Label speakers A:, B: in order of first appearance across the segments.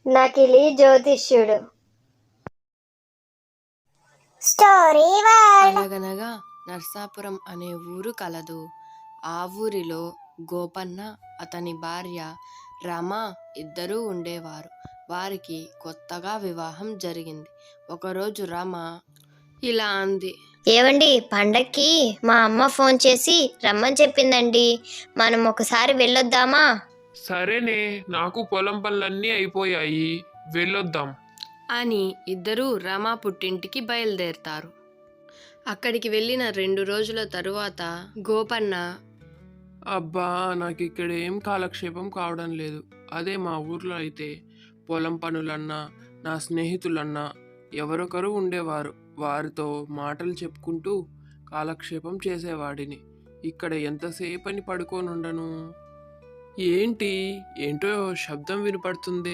A: నకిలీ జ్యోతిష్యుడు. Story world.
B: అనగనగా నర్సాపురం అనే ఊరు కలదు. ఆ ఊరిలో గోపన్న, అతని భార్య రమ ఇద్దరూ ఉండేవారు. వారికి కొత్తగా వివాహం జరిగింది. ఒకరోజు రమ ఇలా అంది.
A: ఏవండి, పండక్కి మా అమ్మ ఫోన్ చేసి రమ్మని చెప్పిందండి. మనం ఒకసారి వెళ్ళొద్దామా?
C: సరేనే, నాకు పొలం పనులన్నీ అయిపోయాయి, వెళ్ళొద్దాం
B: అని ఇద్దరూ రమ పుట్టింటికి బయలుదేరతారు. అక్కడికి వెళ్ళిన 2 రోజుల తరువాత గోపన్న,
C: అబ్బా, నాకు ఇక్కడ ఏం కాలక్షేపం కావడం లేదు. అదే మా ఊర్లో అయితే పొలం పనులన్నా నా స్నేహితులన్నా ఎవరొకరు ఉండేవారు. వారితో మాటలు చెప్పుకుంటూ కాలక్షేపం చేసేవాడిని. ఇక్కడ ఎంతసేపని పడుకోనుండను. ఏంటో శబ్దం వినపడుతుందే.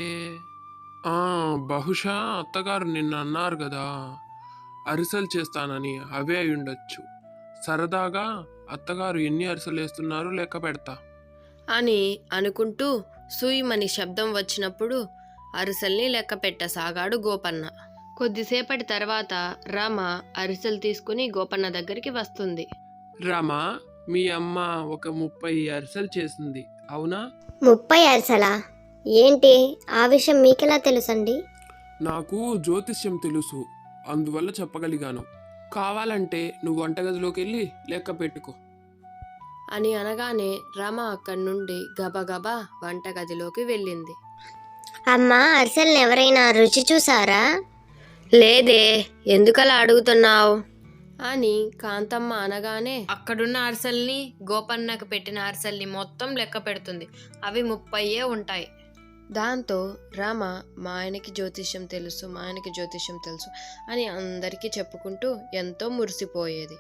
C: బహుశా అత్తగారు నిన్న అన్నారు కదా అరిసెలు చేస్తానని, అవే అయి ఉండొచ్చు. సరదాగా అత్తగారు ఎన్ని అరిసెలు వేస్తున్నారు లెక్క పెడతా
B: అని అనుకుంటూ సూయిమని శబ్దం వచ్చినప్పుడు అరిసెల్ని లెక్క పెట్టసాగాడు గోపన్న. కొద్దిసేపటి తర్వాత రమ అరిసెలు తీసుకుని గోపన్న దగ్గరికి వస్తుంది.
C: రమా, మీ అమ్మ ఒక 30 అరిసెలు చేసింది, అవునా?
A: 30 అరిసెలా? ఏంటి ఆ విషయం మీకెలా తెలుసండి?
C: నాకు జ్యోతిష్యం తెలుసు, అందువల్ల చెప్పగలిగాను. కావాలంటే నువ్వు వంటగదిలోకి వెళ్ళి లెక్క పెట్టుకో
B: అని అనగానే రమ అక్కడి నుండి గబగబా వంటగదిలోకి వెళ్ళింది.
A: అమ్మా, అరిసెల్ని ఎవరైనా రుచి చూసారా?
B: లేదే, ఎందుకలా అడుగుతున్నావు అని కాంతమ్మ అనగానే అక్కడున్న అరిసెల్ని, గోపన్నకు పెట్టిన అరిసెల్ని మొత్తం లెక్క పెడుతుంది. అవి 30 ఉంటాయి. దాంతో రామ మా ఆయనకి జ్యోతిష్యం తెలుసు అని అందరికీ చెప్పుకుంటూ ఎంతో మురిసిపోయేది.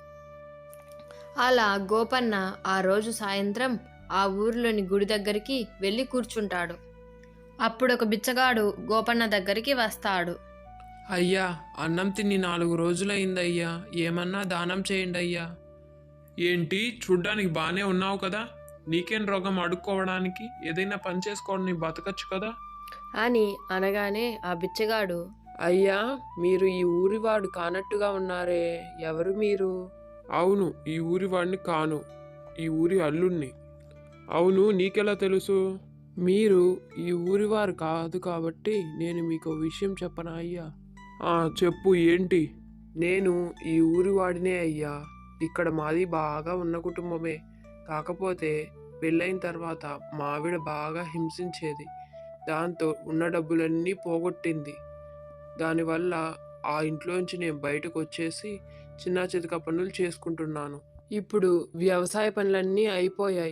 B: అలా గోపన్న ఆ రోజు సాయంత్రం ఆ ఊరిలోని గుడి దగ్గరికి వెళ్ళి కూర్చుంటాడు. అప్పుడు ఒక బిచ్చగాడు గోపన్న దగ్గరికి వస్తాడు.
C: అయ్యా, అన్నం తిని 4 రోజులైందయ్యా, ఏమన్నా దానం చేయండి అయ్యా. ఏంటి, చూడ్డానికి బాగానే ఉన్నావు కదా, నీకేం రోగం అడుక్కోవడానికి? ఏదైనా పని చేసుకోవడం బతకచ్చు కదా
B: అని అనగానే ఆ బిచ్చగాడు,
C: అయ్యా, మీరు ఈ ఊరివాడు కానట్టుగా ఉన్నారే, ఎవరు మీరు? అవును, ఈ ఊరివాడిని కాను, ఈ ఊరి అల్లుణ్ణి. అవును, నీకెలా తెలుసు? మీరు ఈ ఊరివారు కాదు కాబట్టి నేను మీకు విషయం చెప్పనా అయ్యా? చెప్పు, ఏంటి? నేను ఈ ఊరివాడినే అయ్యా. ఇక్కడ మాది బాగా ఉన్న కుటుంబమే. కాకపోతే పెళ్ళైన తర్వాత మా ఆవిడ బాగా హింసించేది. దాంతో ఉన్న డబ్బులన్నీ పోగొట్టింది. దానివల్ల ఆ ఇంట్లోంచి నేను బయటకు వచ్చేసి చిన్న చితక పనులు చేసుకుంటున్నాను. ఇప్పుడు వ్యవసాయ పనులన్నీ అయిపోయాయి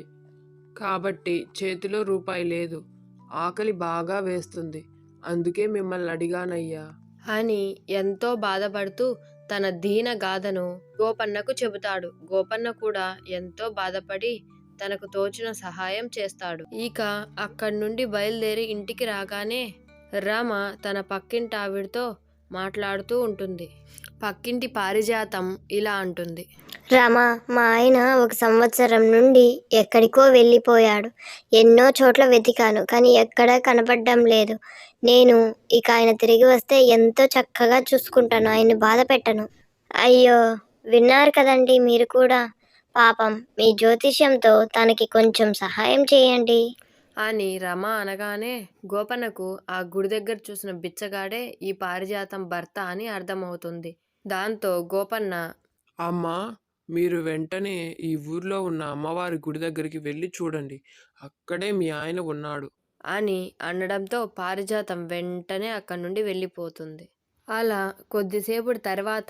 C: కాబట్టి చేతిలో రూపాయి లేదు. ఆకలి బాగా వేస్తుంది. అందుకే మిమ్మల్ని అడిగానయ్యా
B: అని ఎంతో బాధపడుతూ తన దీన గాథను గోపన్నకు చెబుతాడు. గోపన్న కూడా ఎంతో బాధపడి తనకు తోచిన సహాయం చేస్తాడు. ఇక అక్కడి నుండి బయలుదేరి ఇంటికి రాగానే రామ తన పక్కింటి ఆవిడతో మాట్లాడుతూ ఉంటుంది. పక్కింటి పారిజాతం ఇలా అంటుంది.
A: రమ, మా ఆయన 1 సంవత్సరం నుండి ఎక్కడికో వెళ్ళిపోయాడు. ఎన్నో చోట్ల వెతికాను, కానీ ఎక్కడా కనపడడం లేదు. నేను ఇక ఆయన తిరిగి వస్తే ఎంతో చక్కగా చూసుకుంటాను, ఆయన్ని బాధ పెట్టను. అయ్యో, విన్నారు కదండి మీరు కూడా. పాపం, మీ జ్యోతిష్యంతో తనకి కొంచెం సహాయం చేయండి
B: అని రమ అనగానే గోపన్నకు ఆ గుడి దగ్గర చూసిన బిచ్చగాడే ఈ పారిజాతం భర్త అని అర్థమవుతుంది. దాంతో గోపన్న,
C: అమ్మా, మీరు వెంటనే ఈ ఊర్లో ఉన్న అమ్మవారి గుడి దగ్గరికి వెళ్ళి చూడండి, అక్కడే మీ ఆయన ఉన్నాడు
B: అని అనడంతో పారిజాతం వెంటనే అక్కడి నుండి వెళ్ళిపోతుంది. అలా కొద్దిసేపటి తర్వాత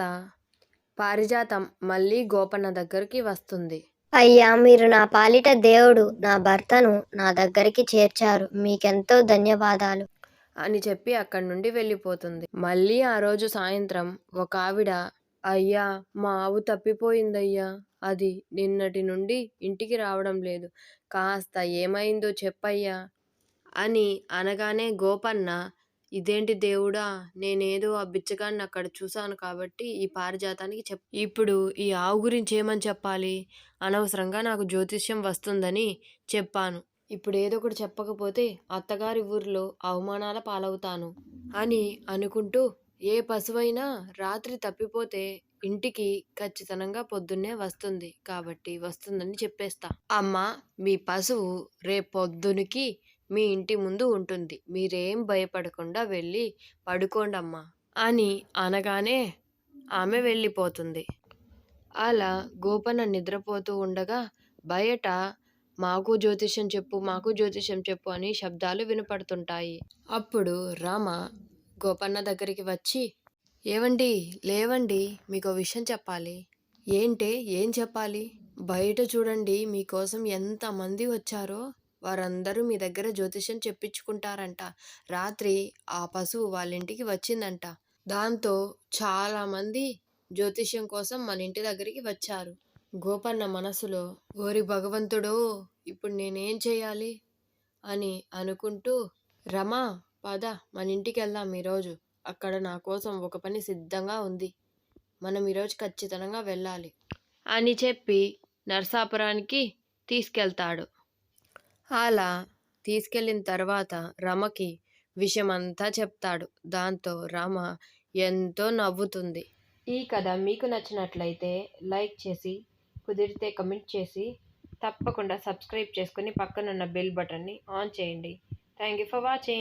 B: పారిజాతం మళ్ళీ గోపన్న దగ్గరికి వస్తుంది.
A: అయ్యా, మీరు నా పాలిట దేవుడు. నా భర్తను నా దగ్గరికి చేర్చారు, మీకెంతో ధన్యవాదాలు
B: అని చెప్పి అక్కడి నుండి వెళ్ళిపోతుంది. మళ్ళీ ఆ రోజు సాయంత్రం ఒక ఆవిడ, అయ్యా, మా ఆవు తప్పిపోయిందయ్యా, అది నిన్నటి నుండి ఇంటికి రావడం లేదు, కాస్త ఏమైందో చెప్పయ్యా అని అనగానే గోపన్న, ఇదేంటి దేవుడా, నేనేదో ఆ బిచ్చగాన్ని అక్కడ చూశాను కాబట్టి ఈ పారిజాతానికి ఇప్పుడు ఈ ఆవు గురించి ఏమని చెప్పాలి? అనవసరంగా నాకు జ్యోతిష్యం వస్తుందని చెప్పాను. ఇప్పుడు ఏదో ఒకటి చెప్పకపోతే అత్తగారి ఊరిలో అవమానాల పాలవుతాను అని అనుకుంటూ, ఏ పశువైనా రాత్రి తప్పిపోతే ఇంటికి ఖచ్చితంగా పొద్దున్నే వస్తుంది కాబట్టి వస్తుందని చెప్పేస్తా. అమ్మా, మీ పశువు రేపొద్దునికి మీ ఇంటి ముందు ఉంటుంది, మీరేం భయపడకుండా వెళ్ళి పడుకోండమ్మా అని అనగానే ఆమె వెళ్ళిపోతుంది. అలా గోపన్న నిద్రపోతూ ఉండగా బయట మాకు జ్యోతిష్యం చెప్పు, మాకు జ్యోతిష్యం చెప్పు అని శబ్దాలు వినపడుతుంటాయి. అప్పుడు రామ గోపన్న దగ్గరికి వచ్చి, ఏవండి, లేవండి, మీకు విషయం చెప్పాలి. ఏంటే, ఏం చెప్పాలి? బయట చూడండి, మీకోసం ఎంతమంది వచ్చారో. వారందరూ మీ దగ్గర జ్యోతిష్యం చెప్పించుకుంటారంట. రాత్రి ఆ పశువు వాళ్ళ ఇంటికి వచ్చిందంట. దాంతో చాలామంది జ్యోతిష్యం కోసం మన ఇంటి దగ్గరికి వచ్చారు. గోపన్న మనసులో, ఓరి భగవంతుడో, ఇప్పుడు నేనేం చేయాలి అని అనుకుంటూ, రమా, పద మన ఇంటికి వెళ్దాం ఈరోజు. అక్కడ నా కోసం ఒక పని సిద్ధంగా ఉంది, మనం ఈరోజు ఖచ్చితంగా వెళ్ళాలి అని చెప్పి నరసాపురానికి తీసుకెళ్తాడు. అలా తీసుకెళ్ళిన తర్వాత రమకి విషయమంతా చెప్తాడు. దాంతో రమ ఎంతో నవ్వుతుంది. ఈ కథ మీకు నచ్చినట్లయితే లైక్ చేసి, కుదిరితే కమెంట్ చేసి, తప్పకుండా సబ్స్క్రైబ్ చేసుకుని పక్కనున్న బెల్ బటన్ని ఆన్ చేయండి. Thank you for watching.